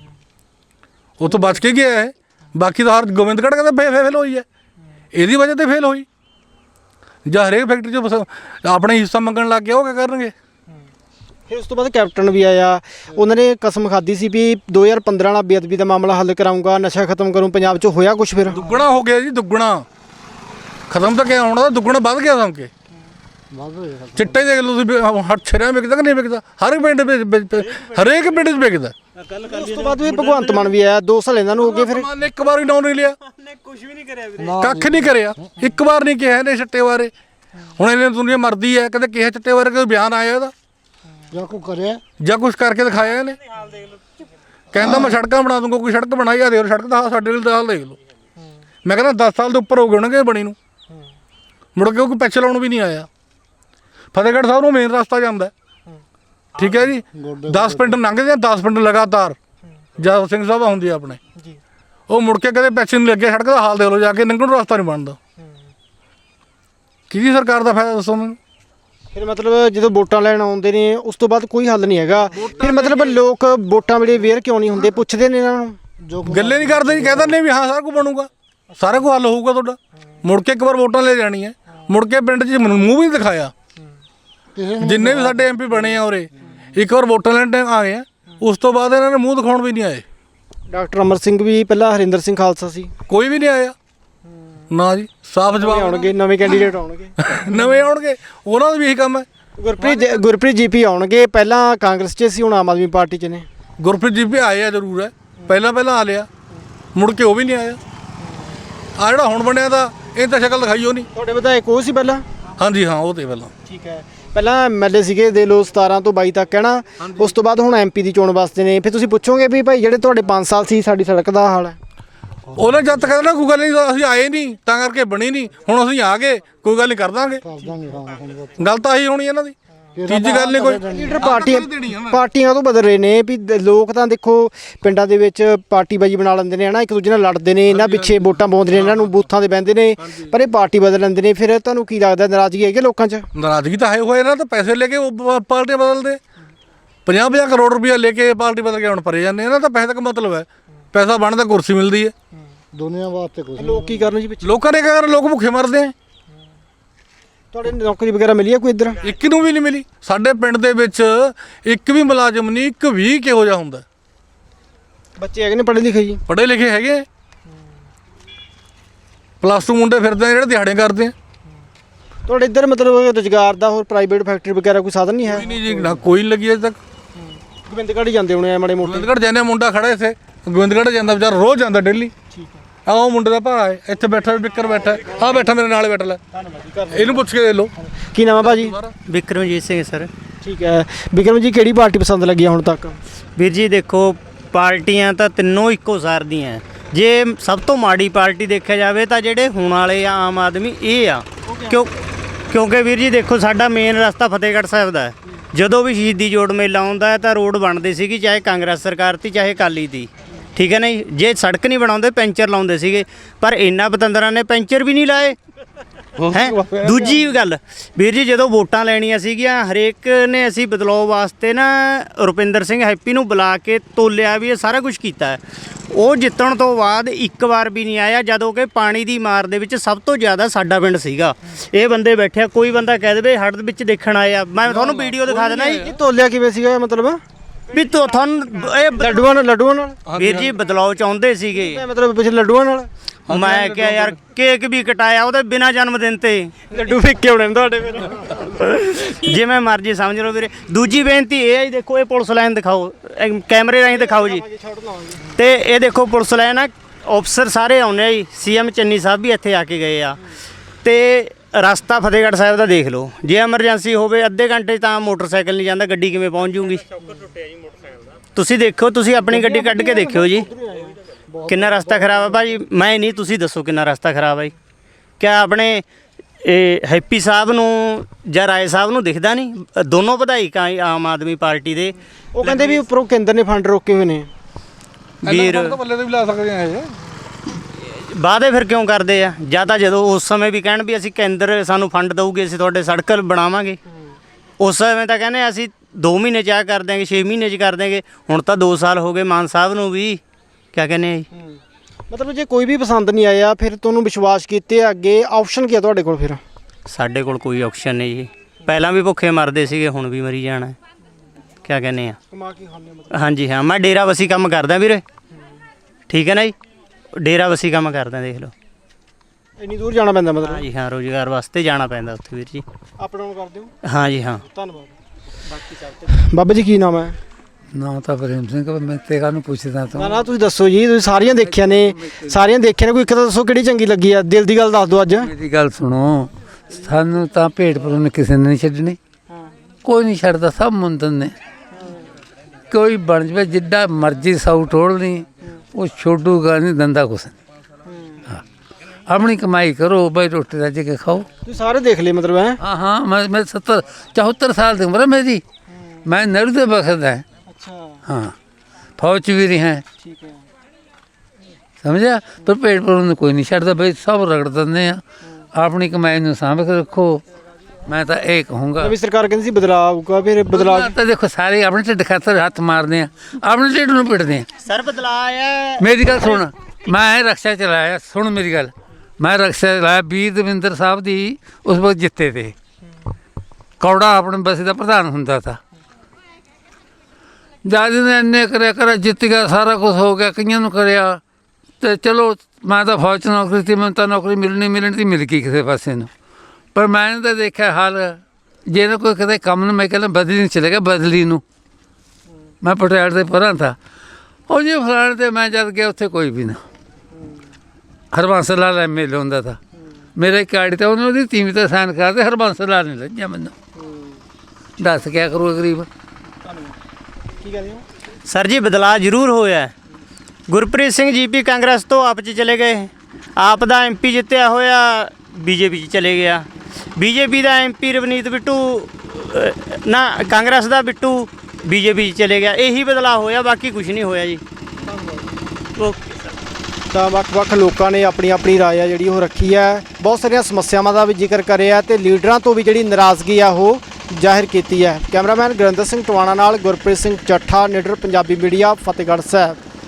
[SPEAKER 6] ਉਹ ਤੋਂ ਬਚ ਕੇ ਗਿਆ ਹੈ। ਬਾਕੀ ਤਾਂ ਹਰ ਗੋਬਿੰਦਗੜ੍ਹ ਕਹਿੰਦਾ ਫੇਲ ਹੋਈ ਹੈ, ਇਹਦੀ ਵਜ੍ਹਾ ਤੇ ਫੇਲ ਹੋਈ। ਜਾਂ ਹਰੇਕ ਫੈਕਟਰੀ 'ਚ ਆਪਣੇ ਹਿੱਸਾ ਮੰਗਣ ਲੱਗ ਗਿਆ, ਉਹ ਕੀ ਕਰਨਗੇ?
[SPEAKER 3] ਫਿਰ ਉਸ ਤੋਂ ਬਾਅਦ ਕੈਪਟਨ ਵੀ ਆਇਆ, ਉਹਨਾਂ ਨੇ ਕਸਮ ਖਾਧੀ ਸੀ ਵੀ 2015 ਵਾਲਾ ਬੇਅਦਬੀ ਦਾ ਮਾਮਲਾ ਹੱਲ ਕਰਾਊਂਗਾ, ਨਸ਼ਾ ਖਤਮ ਕਰੂੰ ਪੰਜਾਬ 'ਚ। ਹੋਇਆ ਕੁਛ ਫਿਰ?
[SPEAKER 6] ਦੁੱਗਣਾ ਹੋ ਗਿਆ ਜੀ, ਦੁੱਗਣਾ। ਖਤਮ ਤਾਂ ਕਿਆ ਹੋਣਾ, ਦੁੱਗਣਾ ਵੱਧ ਗਿਆ ਸਮ ਕੇ। ਚਿੱਟੇ ਦੇਖ ਲਓ ਤੁਸੀਂ, ਹਰ ਛਰਿਆਂ ਵਿਕਦਾ ਕਿ ਨਹੀਂ ਵਿਕਦਾ? ਹਰੇਕ ਪਿੰਡ ਵਿੱਚ ਵਿਕਦਾ।
[SPEAKER 3] ਉਸ ਤੋਂ ਬਾਅਦ ਵੀ ਭਗਵੰਤ ਮਾਨ ਵੀ ਆਇਆ, 2 ਸਾਲ ਇਹਨਾਂ ਨੂੰ ਹੋ ਗਏ। ਫਿਰ
[SPEAKER 6] ਇੱਕ ਵਾਰ ਵੀ ਨਾਂ ਨਹੀਂ ਲਿਆ,
[SPEAKER 3] ਕੁਝ ਵੀ ਨਹੀਂ ਕਰਿਆ,
[SPEAKER 6] ਕੱਖ ਨਹੀਂ ਕਰਿਆ, ਇੱਕ ਵਾਰ ਨਹੀਂ ਕਿਹਾ ਇਹਨੇ ਚਿੱਟੇ ਬਾਰੇ। ਹੁਣ ਇਹਨੇ ਦੁਨੀਆ ਮਰਦੀ ਹੈ, ਕਦੇ ਕਿਹਾ ਚਿੱਟੇ ਬਾਰੇ ਕੋਈ ਬਿਆਨ ਆਇਆ ਇਹਦਾ
[SPEAKER 8] ਜਾਂ ਕੋਈ ਕਰਿਆ
[SPEAKER 6] ਜਾਂ ਕੁਛ ਕਰਕੇ ਦਿਖਾਇਆ ਇਹਨੇ? ਕਹਿੰਦਾ ਮੈਂ ਸੜਕਾਂ ਬਣਾ ਦੂੰਗਾ, ਕੋਈ ਸੜਕ ਬਣਾਈ ਆ, ਦੇ ਸੜਕ ਦਾ ਸਾਡੇ ਨਾਲ ਹਾਲ ਦੇਖ ਲਓ। ਮੈਂ ਕਹਿੰਦਾ 10 ਸਾਲ ਦੇ ਉੱਪਰ ਹੋ ਗਏ ਹੋਣਗੇ ਬਣੀ ਨੂੰ, ਮੁੜ ਕੇ ਕੋਈ ਪੈਸੇ ਲਾਉਣ ਵੀ ਨਹੀਂ ਆਇਆ। ਫਤਿਹਗੜ੍ਹ ਸਾਹਿਬ ਨੂੰ ਮੇਨ ਰਸਤਾ ਜਾਂਦਾ, ਠੀਕ ਹੈ ਜੀ। 10 ਪਿੰਡ ਲੰਘਦੇ ਆ, 10 ਪਿੰਡ ਲਗਾਤਾਰ ਜਦ ਸਿੰਘ ਸਭਾ ਹੁੰਦੀ ਆ ਆਪਣੇ, ਉਹ ਮੁੜ ਕੇ ਕਦੇ ਪੈਸੇ ਨਹੀਂ ਲੱਗੇ, ਸੜਕ ਦਾ ਹਾਲ ਦੇਖ ਲਓ ਜਾ ਕੇ, ਲੰਘਣ ਨੂੰ ਰਸਤਾ ਨਹੀਂ ਬਣਦਾ। ਕਿਹਦੀ ਸਰਕਾਰ ਦਾ ਫਾਇਦਾ ਦੱਸੋ ਮੈਨੂੰ?
[SPEAKER 3] ਫਿਰ ਮਤਲਬ ਜਦੋਂ ਵੋਟਾਂ ਲੈਣ ਆਉਂਦੇ ਨੇ ਉਸ ਤੋਂ ਬਾਅਦ ਕੋਈ ਹੱਲ ਨਹੀਂ ਹੈਗਾ। ਫਿਰ ਮਤਲਬ ਲੋਕ ਵੋਟਾਂ ਵੇਲੇ ਅਵੇਅਰ ਕਿਉਂ ਨਹੀਂ ਹੁੰਦੇ, ਪੁੱਛਦੇ ਨੇ ਇਹਨਾਂ ਨੂੰ?
[SPEAKER 6] ਗੱਲੇ ਨਹੀਂ ਕਰਦੇ ਜੀ, ਕਹਿ ਦਿੰਦੇ ਵੀ ਹਾਂ ਸਾਰਾ ਕੁਝ ਬਣੂਗਾ, ਸਾਰਾ ਕੁਝ ਹੱਲ ਹੋਊਗਾ ਤੁਹਾਡਾ। ਮੁੜ ਕੇ ਇੱਕ ਵਾਰ ਵੋਟਾਂ ਲੈ ਜਾਣੀ ਹੈ, ਮੁੜ ਕੇ ਪਿੰਡ 'ਚ ਮੈਨੂੰ ਮੂੰਹ ਵੀ ਨਹੀਂ ਦਿਖਾਇਆ। ਜਿੰਨੇ ਵੀ ਸਾਡੇ MP ਬਣੇ ਆ ਉਰੇ, ਇੱਕ ਵਾਰ ਵੋਟਾਂ ਲੈਣ ਟਾਈਮ ਆ ਗਏ ਆ, ਉਸ ਤੋਂ ਬਾਅਦ ਇਹਨਾਂ ਨੇ ਮੂੰਹ ਦਿਖਾਉਣ ਵੀ ਨਹੀਂ ਆਏ।
[SPEAKER 3] ਡਾਕਟਰ ਅਮਰ ਸਿੰਘ ਵੀ ਪਹਿਲਾਂ ਹਰਿੰਦਰ ਸਿੰਘ ਖਾਲਸਾ ਸੀ,
[SPEAKER 6] ਕੋਈ ਵੀ ਨਹੀਂ ਆਇਆ ਨਾ ਜੀ, ਸਾਫ਼ ਜਵਾਬ।
[SPEAKER 3] ਆਉਣਗੇ ਨਵੇਂ ਕੈਂਡੀਡੇਟ ਆਉਣਗੇ,
[SPEAKER 6] ਨਵੇਂ ਆਉਣਗੇ, ਉਹਨਾਂ ਦਾ ਵੀ ਇਹੀ ਕੰਮ ਹੈ।
[SPEAKER 3] ਗੁਰਪ੍ਰੀਤ ਜੀਪੀ ਆਉਣਗੇ, ਪਹਿਲਾਂ ਕਾਂਗਰਸ 'ਚ ਸੀ, ਹੁਣ ਆਮ ਆਦਮੀ ਪਾਰਟੀ 'ਚ ਨੇ।
[SPEAKER 6] ਗੁਰਪ੍ਰੀਤ ਜੀ ਵੀ ਆਏ ਆ ਜ਼ਰੂਰ ਹੈ, ਪਹਿਲਾਂ ਆ ਲਿਆ, ਮੁੜ ਕੇ ਉਹ ਵੀ ਨਹੀਂ ਆਇਆ। ਆ ਜਿਹੜਾ ਹੁਣ ਬਣਿਆ ਤਾਂ ਇਹ ਤਾਂ ਸ਼ਕਲ ਦਿਖਾਈ ਉਹ ਨਹੀਂ।
[SPEAKER 3] ਤੁਹਾਡੇ ਵਿਧਾਇਕ ਉਹ ਸੀ ਪਹਿਲਾਂ?
[SPEAKER 6] ਹਾਂਜੀ ਹਾਂ, ਉਹ ਤੇ ਪਹਿਲਾਂ।
[SPEAKER 3] ਠੀਕ ਹੈ, ਪਹਿਲਾਂ MLA ਸੀਗੇ ਦੇ ਲੋ 17 ਤੋਂ 22 ਤੱਕ ਹੈ ਨਾ, ਉਸ ਤੋਂ ਬਾਅਦ ਹੁਣ MP ਦੀ ਚੋਣ ਵਾਸਤੇ ਨੇ। ਫਿਰ ਤੁਸੀਂ ਪੁੱਛੋਗੇ ਵੀ ਭਾਈ ਜਿਹੜੇ ਤੁਹਾਡੇ 5 ਸਾਲ ਸੀ ਸਾਡੀ ਸੜਕ ਦਾ ਹਾਲ ਹੈ?
[SPEAKER 6] ਉਹਨੇ ਜਦ ਤੱਕ ਕਹਿੰਦਾ ਕੋਈ ਗੱਲ ਨਹੀਂ, ਅਸੀਂ ਆਏ ਨਹੀਂ ਤਾਂ ਕਰਕੇ ਬਣੀ ਨਹੀਂ, ਹੁਣ ਅਸੀਂ ਆ ਗਏ, ਕੋਈ ਗੱਲ ਨਹੀਂ ਕਰ ਦਾਂਗੇ। ਗੱਲ ਤਾਂ ਆਹੀ ਹੋਣੀ ਇਹਨਾਂ ਦੀ, ਤੀਜੀ ਗੱਲ ਨਹੀਂ ਕੋਈ।
[SPEAKER 3] ਲੀਡਰ ਪਾਰਟੀਆਂ ਤੋਂ ਬਦਲ ਰਹੇ ਨੇ ਵੀ ਲੋਕ ਤਾਂ ਦੇਖੋ ਪਿੰਡਾਂ ਦੇ ਵਿੱਚ ਪਾਰਟੀਬਾਜੀ ਬਣਾ ਲੈਂਦੇ ਨੇ ਹਨਾ, ਇੱਕ ਦੂਜੇ ਨਾਲ ਲੜਦੇ ਨੇ, ਇਹਨਾਂ ਪਿੱਛੇ ਵੋਟਾਂ ਪਾਉਂਦੇ ਨੇ, ਇਹਨਾਂ ਨੂੰ ਬੂਥਾਂ ਤੇ ਬਹਿੰਦੇ ਨੇ, ਪਰ ਇਹ ਪਾਰਟੀ ਬਦਲ ਲੈਂਦੇ ਨੇ। ਫਿਰ ਤੁਹਾਨੂੰ ਕੀ ਲੱਗਦਾ, ਨਾਰਾਜ਼ਗੀ ਹੈਗੀ ਲੋਕਾਂ 'ਚ?
[SPEAKER 6] ਨਾਰਾਜ਼ਗੀ ਤਾਂ ਹੈ ਹੋਏ, ਇਹਨਾਂ ਤਾਂ ਪੈਸੇ ਲੈ ਕੇ ਉਹ ਪਾਰਟੀਆਂ ਬਦਲਦੇ, 50-50 ਕਰੋੜ ਰੁਪਇਆ ਲੈ ਕੇ ਪਾਰਟੀ ਬਦਲ ਕੇ ਹੁਣ ਪਰੇ ਜਾਂਦੇ। ਇਹਨਾਂ ਤਾਂ ਪੈਸੇ ਤੱਕ ਮਤਲਬ ਹੈ, ਪੈਸਾ ਬਣਦਾ, ਕੁਰਸੀ ਮਿਲਦੀ ਹੈ।
[SPEAKER 8] ਦੁਨੀਆ ਵਾਸਤੇ ਕੁਝ
[SPEAKER 3] ਲੋਕ ਕੀ ਕਰਨ ਜੀ ਪਿੱਛੇ?
[SPEAKER 6] ਲੋਕਾਂ ਨੇ ਕਿਹਾ ਲੋਕ ਭੁੱਖੇ ਮਰਦੇ ਆ।
[SPEAKER 3] ਤੁਹਾਡੇ ਨੌਕਰੀ ਵਗੈਰਾ ਮਿਲੀ ਹੈ ਕੋਈ ਇੱਧਰ?
[SPEAKER 6] ਇੱਕ ਨੂੰ ਵੀ ਨਹੀਂ ਮਿਲੀ। ਸਾਡੇ ਪਿੰਡ ਦੇ ਵਿੱਚ ਇੱਕ ਵੀ ਮੁਲਾਜ਼ਮ ਨਹੀਂ, ਇੱਕ ਵੀ ਕਿਹੋ ਜਿਹਾ ਹੁੰਦਾ।
[SPEAKER 3] ਬੱਚੇ ਹੈਗੇ ਨੇ ਪੜ੍ਹੇ ਲਿਖੇ ਜੀ?
[SPEAKER 6] ਪੜ੍ਹੇ ਲਿਖੇ ਹੈਗੇ, +2 ਮੁੰਡੇ ਫਿਰਦੇ ਆ ਜਿਹੜੇ ਦਿਹਾੜੀਆਂ ਕਰਦੇ ਆ।
[SPEAKER 3] ਤੁਹਾਡੇ ਇੱਧਰ ਮਤਲਬ ਰੁਜ਼ਗਾਰ ਦਾ ਹੋਰ ਪ੍ਰਾਈਵੇਟ ਫੈਕਟਰੀ ਵਗੈਰਾ ਕੋਈ ਸਾਧਨ ਨਹੀਂ ਹੈ?
[SPEAKER 6] ਕੋਈ ਨਹੀਂ ਜੀ, ਨਾ ਕੋਈ ਨਹੀਂ ਲੱਗੀ ਅਜੇ ਤੱਕ।
[SPEAKER 3] ਗੋਬਿੰਦਗੜ੍ਹ ਹੀ ਜਾਂਦੇ ਹੋਣੇ ਆ ਮਾੜੇ ਮੋਟੇ?
[SPEAKER 6] ਗੋਬਿੰਦਗੜ੍ਹ ਜਾਂਦੇ, ਮੁੰਡਾ ਖੜਾ ਇੱਥੇ ਗੋਬਿੰਦਗੜ੍ਹ ਜਾਂਦਾ ਵਿਚਾਰਾ, ਰੋਜ਼ ਜਾਂਦਾ ਡੇਲੀ। ਆਹ ਉਹ ਮੁੰਡੇ ਦਾ ਭਰਾ ਹੈ, ਇੱਥੇ ਬੈਠਾ, ਵਿਕਰ ਬੈਠਾ, ਆਹ ਬੈਠਾ ਮੇਰੇ ਨਾਲ ਬੈਠ ਲੈ, ਇਹਨੂੰ ਪੁੱਛ ਕੇ ਦੇ ਲਓ।
[SPEAKER 3] ਕੀ ਨਾਮ ਹੈ ਭਾਜੀ?
[SPEAKER 2] ਵਿਕਰਮਜੀਤ ਸਿੰਘ ਸਰ।
[SPEAKER 3] ਠੀਕ ਹੈ, ਵਿਕਰਮ ਜੀ ਕਿਹੜੀ ਪਾਰਟੀ ਪਸੰਦ ਲੱਗੀ ਹੁਣ ਤੱਕ?
[SPEAKER 2] ਵੀਰ ਜੀ ਦੇਖੋ, ਪਾਰਟੀਆਂ ਤਾਂ ਤਿੰਨੋਂ ਇੱਕੋ ਸਾਰ ਦੀਆਂ। ਜੇ ਸਭ ਤੋਂ ਮਾੜੀ ਪਾਰਟੀ ਦੇਖਿਆ ਜਾਵੇ ਤਾਂ ਜਿਹੜੇ ਹੁਣ ਵਾਲੇ ਆ ਆਮ ਆਦਮੀ ਇਹ ਆ, ਕਿਉਂਕਿ ਵੀਰ ਜੀ ਦੇਖੋ ਸਾਡਾ ਮੇਨ ਰਸਤਾ ਫਤਿਹਗੜ੍ਹ ਸਾਹਿਬ ਦਾ ਹੈ। ਜਦੋਂ ਵੀ ਸ਼ਹੀਦੀ ਜੋੜ ਮੇਲਾ ਆਉਂਦਾ ਹੈ ਤਾਂ ਰੋਡ ਬਣਦੇ ਸੀਗੀ, ਚਾਹੇ ਕਾਂਗਰਸ ਸਰਕਾਰ ਤੀ ਚਾਹੇ ਅਕਾਲੀ ਦੀ, ਠੀਕ ਹੈ ਨਾ ਜੀ। ਜੇ ਸੜਕ ਨਹੀਂ ਬਣਾਉਂਦੇ ਪੈਂਚਰ ਲਾਉਂਦੇ ਸੀਗੇ, ਪਰ ਇਹਨਾਂ ਪਤੰਦਰਾਂ ਨੇ ਪੈਂਚਰ ਵੀ ਨਹੀਂ ਲਾਏ ਹੈ। ਦੂਜੀ ਗੱਲ ਵੀਰ ਜੀ, ਜਦੋਂ ਵੋਟਾਂ ਲੈਣੀਆਂ ਸੀਗੀਆਂ, ਹਰੇਕ ਨੇ ਅਸੀਂ ਬਦਲਾਅ ਵਾਸਤੇ ਨਾ ਰੁਪਿੰਦਰ ਸਿੰਘ ਹੈਪੀ ਨੂੰ ਬੁਲਾ ਕੇ ਤੋਲਿਆ ਵੀ ਇਹ ਸਾਰਾ ਕੁਝ ਕੀਤਾ ਹੈ। ਉਹ ਜਿੱਤਣ ਤੋਂ ਬਾਅਦ ਇੱਕ ਵਾਰ ਵੀ ਨਹੀਂ ਆਇਆ, ਜਦੋਂ ਕਿ ਪਾਣੀ ਦੀ ਮਾਰ ਦੇ ਵਿੱਚ ਸਭ ਤੋਂ ਜ਼ਿਆਦਾ ਸਾਡਾ ਪਿੰਡ ਸੀਗਾ। ਇਹ ਬੰਦੇ ਬੈਠਿਆ, ਕੋਈ ਬੰਦਾ ਕਹਿ ਦੇਵੇ ਹੜ੍ਹ ਦੇ ਵਿੱਚ ਦੇਖਣ ਆਇਆ, ਮੈਂ ਤੁਹਾਨੂੰ ਵੀਡੀਓ ਦਿਖਾ ਦੇਣਾ ਜੀ।
[SPEAKER 3] ਤੋਲਿਆ ਕਿਵੇਂ ਸੀਗਾ ਮਤਲਬ?
[SPEAKER 2] ਵੀ ਤੁਹਾਨੂੰ ਇਹ
[SPEAKER 3] ਲੱਡੂਆਂ ਨਾਲ
[SPEAKER 2] ਵੀਰ ਜੀ ਬਦਲਾਅ ਚਾਹੁੰਦੇ ਸੀਗੇ,
[SPEAKER 3] ਮਤਲਬ ਪਿਛਲੇ ਲੱਡੂਆਂ ਨਾਲ?
[SPEAKER 2] ਮੈਂ ਕਿਹਾ ਯਾਰ ਕੇਕ ਵੀ ਕਟਾਇਆ ਉਹਦੇ ਬਿਨਾਂ ਜਨਮ ਦਿਨ ਤੇ,
[SPEAKER 3] ਲੱਡੂ ਫਿੱਕੇ ਹੋਣੇ ਤੁਹਾਡੇ ਫਿਰ।
[SPEAKER 2] ਜਿਵੇਂ ਮਰਜ਼ੀ ਸਮਝ ਲਓ ਵੀਰੇ। ਦੂਜੀ ਬੇਨਤੀ ਇਹ ਹੈ ਜੀ, ਦੇਖੋ ਇਹ ਪੁਲਿਸ ਲਾਈਨ ਦਿਖਾਓ, ਕੈਮਰੇ ਰਾਹੀਂ ਦਿਖਾਓ ਜੀ। ਤੇ ਇਹ ਦੇਖੋ ਪੁਲਿਸ ਲਾਈਨ ਆ, ਅਫਸਰ ਸਾਰੇ ਆਉਂਦੇ ਆ ਜੀ, CM ਚੰਨੀ ਸਾਹਿਬ ਵੀ ਇੱਥੇ ਆ ਕੇ ਗਏ ਆ। ਤੇ ਰਸਤਾ ਫਤਿਹਗੜ੍ਹ ਸਾਹਿਬ ਦਾ ਦੇਖ ਲਓ, ਜੇ ਐਮਰਜੈਂਸੀ ਹੋਵੇ ਅੱਧੇ ਘੰਟੇ ਤਾਂ ਮੋਟਰਸਾਈਕਲ ਨਹੀਂ ਜਾਂਦਾ, ਗੱਡੀ ਕਿਵੇਂ ਪਹੁੰਚ ਜੂਗੀ? ਤੁਸੀਂ ਦੇਖੋ, ਤੁਸੀਂ ਆਪਣੀ ਗੱਡੀ ਕੱਢ ਕੇ ਦੇਖਿਓ ਜੀ ਕਿੰਨਾ ਰਸਤਾ ਖਰਾਬ ਹੈ ਭਾਜੀ। ਮੈਂ ਨਹੀਂ, ਤੁਸੀਂ ਦੱਸੋ ਕਿੰਨਾ ਰਸਤਾ ਖਰਾਬ ਹੈ ਜੀ। ਕਿਆ ਆਪਣੇ ਇਹ ਹੈਪੀ ਸਾਹਿਬ ਨੂੰ ਜਾਂ ਰਾਏ ਸਾਹਿਬ ਨੂੰ ਦਿਖਦਾ ਨਹੀਂ? ਦੋਨੋਂ ਵਿਧਾਇਕਾਂ ਆਮ ਆਦਮੀ ਪਾਰਟੀ ਦੇ,
[SPEAKER 3] ਉਹ ਕਹਿੰਦੇ ਵੀ ਉੱਪਰੋਂ ਕੇਂਦਰ ਨੇ ਫੰਡ ਰੋਕੇ ਹੋਏ ਨੇ।
[SPEAKER 2] ਵੀਰ
[SPEAKER 6] ਬੱਲੇ ਤੇ ਵੀ ਲਾ ਸਕਦੇ ਆ ਇਹ।
[SPEAKER 2] ਵਾਅਦੇ ਫਿਰ ਕਿਉਂ ਕਰਦੇ ਆ? ਜਾਂ ਤਾਂ ਜਦੋਂ ਉਸ ਸਮੇਂ ਵੀ ਕਹਿਣ ਵੀ ਅਸੀਂ ਕੇਂਦਰ ਸਾਨੂੰ ਫੰਡ ਦਊਗੇ, ਅਸੀਂ ਤੁਹਾਡੇ ਸੜਕ ਬਣਾਵਾਂਗੇ, ਉਸ ਸਮੇਂ ਤਾਂ ਕਹਿੰਦੇ ਅਸੀਂ 2 ਮਹੀਨੇ 'ਚ ਆ ਕਰ ਦਿਆਂਗੇ, 6 ਮਹੀਨੇ 'ਚ ਕਰ ਦਿਆਂਗੇ। ਹੁਣ ਤਾਂ 2 ਸਾਲ ਹੋ ਗਏ ਮਾਨ ਸਾਹਿਬ ਨੂੰ ਵੀ, ਕਿਆ ਕਹਿੰਦੇ ਆ ਜੀ?
[SPEAKER 3] ਮਤਲਬ ਜੇ ਕੋਈ ਵੀ ਪਸੰਦ ਨਹੀਂ ਆਇਆ, ਫਿਰ ਤੁਹਾਨੂੰ ਵਿਸ਼ਵਾਸ ਕੀਤੇ ਅੱਗੇ ਆਪਸ਼ਨ ਕੀ ਆ ਤੁਹਾਡੇ ਕੋਲ ਫਿਰ?
[SPEAKER 2] ਸਾਡੇ ਕੋਲ ਕੋਈ ਆਪਸ਼ਨ ਨਹੀਂ ਜੀ। ਪਹਿਲਾਂ ਵੀ ਭੁੱਖੇ ਮਰਦੇ ਸੀਗੇ, ਹੁਣ ਵੀ ਮਰੀ ਜਾਣਾ। ਕਿਆ ਕਹਿੰਦੇ ਆ?
[SPEAKER 3] ਕਮਾ ਕੇ ਖਾਂਦੇ ਮਤਲਬ?
[SPEAKER 2] ਹਾਂਜੀ ਹਾਂ, ਮੈਂ ਡੇਰਾ ਵਸੀ ਕੰਮ ਕਰਦਾ ਵੀਰੇ, ਠੀਕ ਹੈ ਨਾ ਜੀ। ਡੇਰਾ ਵਸੀ ਕੰਮ ਕਰਦਾ, ਦੇਖ ਲਓ।
[SPEAKER 3] ਇੰਨੀ ਦੂਰ ਜਾਣਾ ਪੈਂਦਾ ਮਤਲਬ?
[SPEAKER 2] ਹਾਂਜੀ ਹਾਂ, ਰੋਜ਼ਗਾਰ ਵਾਸਤੇ ਜਾਣਾ ਪੈਂਦਾ ਉੱਥੇ ਵੀਰ ਜੀ।
[SPEAKER 3] ਅਪ ਡਾਊਨ ਕਰਦੇ ਹੋ?
[SPEAKER 2] ਹਾਂਜੀ ਹਾਂ।
[SPEAKER 3] ਧੰਨਵਾਦ। ਬਾਕੀ ਚੱਲਦੇ। ਬਾਬਾ ਜੀ ਕੀ ਨਾਮ ਹੈ?
[SPEAKER 7] ਨਾ ਤਾਂ ਪ੍ਰੇਮ ਸਿੰਘ, ਮੈਂ ਤੇ ਕਾਹਨੂੰ ਪੁੱਛਦਾ ਤੂੰ?
[SPEAKER 3] ਨਾ ਤੁਸੀਂ ਦੱਸੋ ਜੀ, ਤੁਸੀਂ ਸਾਰੀਆਂ ਦੇਖਿਆ ਨੇ, ਕੋਈ ਇੱਕ ਤਾਂ ਦੱਸੋ ਕਿਹੜੀ ਚੰਗੀ ਲੱਗੀ ਆ, ਦਿਲ ਦੀ ਗੱਲ ਦੱਸ ਦਿਓ ਅੱਜ।
[SPEAKER 7] ਮੇਰੀ ਗੱਲ ਸੁਣੋ, ਸਾਨੂੰ ਤਾਂ ਭੇਡ ਭਰੂਣ ਕਿਸੇ ਨੇ ਨਹੀਂ ਛੱਡਣੀ, ਕੋਈ ਨਹੀਂ ਛੱਡਦਾ, ਸਭ ਮੁੰਦਨ ਨੇ। ਕੋਈ ਬਣ ਜਾਵੇ ਜਿੱਡਾ ਮਰਜ਼ੀ ਸੌ ਟੋੜਨੀ, ਉਹ ਛੋਡੂਗਾ ਨਹੀਂ, ਦੰਦਾ ਕੁਛ ਨਹੀਂ। ਆਪਣੀ ਕਮਾਈ ਕਰੋ ਬਈ, ਰੋਟੀ ਰੱਜ ਕੇ ਖਾਓ।
[SPEAKER 3] ਤੁਸੀਂ ਸਾਰੇ ਦੇਖ ਲਏ ਮਤਲਬ ਹੈ?
[SPEAKER 7] ਹਾਂ, ਮੈਂ 74 ਸਾਲ ਦੀ ਉਮਰ ਹੈ ਮੇਰੀ, ਮੈਂ ਨਹਿਰੂ ਦੇ ਵਕਤ ਹੈ।
[SPEAKER 3] ਅੱਛਾ,
[SPEAKER 7] हाँ फौज भी रही हैं।
[SPEAKER 3] ठीक है।
[SPEAKER 7] ਸਮਝਿਆ। ਪਰ ਭੇਡ ਭਰੂ ਨੂੰ ਕੋਈ ਨਹੀਂ ਛੱਡਦਾ ਬਈ, ਸਭ ਰਗੜ ਦਿੰਦੇ ਆ। ਆਪਣੀ ਕਮਾਈ ਨੂੰ ਸਾਂਭ ਕੇ ਰੱਖੋ। ਮੈਂ ਤਾਂ ਇਹ ਕਹੂੰਗਾ।
[SPEAKER 3] ਨਵੀਂ ਸਰਕਾਰ ਕਹਿੰਦੀ ਸੀ ਬਦਲਾਅ ਆਊਗਾ, ਫਿਰ ਬਦਲਾਅ
[SPEAKER 7] ਤਾਂ ਦੇਖੋ ਸਾਰੇ ਆਪਣੇ ਢਿੱਡ ਖਾਤਰ ਹੱਥ ਮਾਰਦੇ ਆ, ਆਪਣੇ ਢਿੱਡ ਨੂੰ ਪਿੱਟਦੇ ਆ।
[SPEAKER 2] ਸਰ ਬਦਲਾਅ ਆਇਆ।
[SPEAKER 7] ਮੇਰੀ ਗੱਲ ਸੁਣ, ਮੈਂ ਰਕਸ਼ਾ ਚਲਾਇਆ, ਸੁਣ ਮੇਰੀ ਗੱਲ, ਮੈਂ ਰਕਸ਼ਾ ਚਲਾਇਆ ਵੀਰ ਦਵਿੰਦਰ ਸਾਹਿਬ ਦੀ ਉਸ ਵਕਤ ਜਿੱਤੇ ਤੇ ਕੌੜਾ ਆਪਣੇ ਬਸੇ ਦਾ ਪ੍ਰਧਾਨ ਹੁੰਦਾ ਤਾ। ਜਦ ਨੇ ਇੰਨੇ ਕਰਿਆ ਜਿੱਤ ਗਿਆ, ਸਾਰਾ ਕੁਝ ਹੋ ਗਿਆ, ਕਈਆਂ ਨੂੰ ਕਰਿਆ ਤੇ ਚਲੋ ਮੈਂ ਤਾਂ ਫੌਜ 'ਚ ਨੌਕਰੀ ਸੀ, ਮੈਨੂੰ ਤਾਂ ਨੌਕਰੀ ਮਿਲਣੀ ਤੀ, ਮਿਲ ਗਈ ਕਿਸੇ ਪਾਸੇ ਨੂੰ। ਪਰ ਮੈਂ ਤਾਂ ਦੇਖਿਆ ਹਾਲ, ਜੇ ਨਾ ਕੋਈ ਕਦੇ ਕੰਮ ਨੂੰ ਮੈਂ ਕਹਿੰਦਾ ਬਦਲੀ ਨੂੰ ਚਲੇ ਗਿਆ, ਬਦਲੀ ਨੂੰ ਮੈਂ ਪਟਿਆਲੇ ਦੇ ਪਰਾਂ ਥਾ, ਉਹ ਜੀ ਫਲਾਣੇ ਤੇ ਮੈਂ ਜਦ ਗਿਆ ਉੱਥੇ ਕੋਈ ਵੀ ਨਾ। ਹਰਬੰਸ ਲਾਲ MLA ਹੁੰਦਾ ਤਾ, ਮੇਰੇ ਇੱਕ ਆੜੀ ਤਾਂ ਉਹਨੇ ਉਹਦੀ ਟੀਮ ਤੇ ਸਾਈਨ ਕਰਦੇ, ਹਰਬੰਸ ਲਾਲ ਨਹੀਂ ਲੱਜਿਆ ਮੈਨੂੰ। ਦੱਸ ਕਿਆ ਕਰੂ ਗਰੀਬ।
[SPEAKER 3] ਕੀ ਕਹਿੰਦੇ ਹੋ?
[SPEAKER 2] ਸਰ ਜੀ ਬਦਲਾਅ ਜ਼ਰੂਰ ਹੋਇਆ ਹੈ। ਗੁਰਪ੍ਰੀਤ ਸਿੰਘ GP ਕਾਂਗਰਸ ਤੋਂ ਆਪ 'ਚ ਚਲੇ ਗਏ, ਆਪ ਦਾ MP ਜਿੱਤਿਆ ਹੋਇਆ BJP 'ਚ ਚਲੇ ਗਿਆ, BJP ਦਾ MP ਰਵਨੀਤ ਬਿੱਟੂ ਨਾ ਕਾਂਗਰਸ ਦਾ ਬਿੱਟੂ BJP 'ਚ ਚਲੇ ਗਿਆ। ਇਹੀ ਬਦਲਾਅ ਹੋਇਆ, ਬਾਕੀ ਕੁਝ ਨਹੀਂ ਹੋਇਆ ਜੀ। Okay sir.
[SPEAKER 3] ਤਾਂ ਵੱਖ-ਵੱਖ ਲੋਕਾਂ ਨੇ ਆਪਣੀ ਆਪਣੀ ਰਾਏ ਆ ਜਿਹੜੀ ਉਹ ਰੱਖੀ ਹੈ, ਬਹੁਤ ਸਾਰੀਆਂ ਸਮੱਸਿਆਵਾਂ ਦਾ ਵੀ ਜ਼ਿਕਰ ਕਰਿਆ ਤੇ ਲੀਡਰਾਂ ਤੋਂ ਵੀ ਜਿਹੜੀ ਨਾਰਾਜ਼ਗੀ ਆ ਉਹ ਜ਼ਾਹਿਰ ਕੀਤੀ ਹੈ। ਕੈਮਰਾਮੈਨ ਗੁਰਿੰਦਰ ਸਿੰਘ ਟਵਾਣਾ ਨਾਲ ਗੁਰਪ੍ਰੀਤ ਸਿੰਘ ਚੱਠਾ, ਨਿਡਰ ਪੰਜਾਬੀ ਮੀਡੀਆ, ਫਤਿਹਗੜ੍ਹ ਸਾਹਿਬ।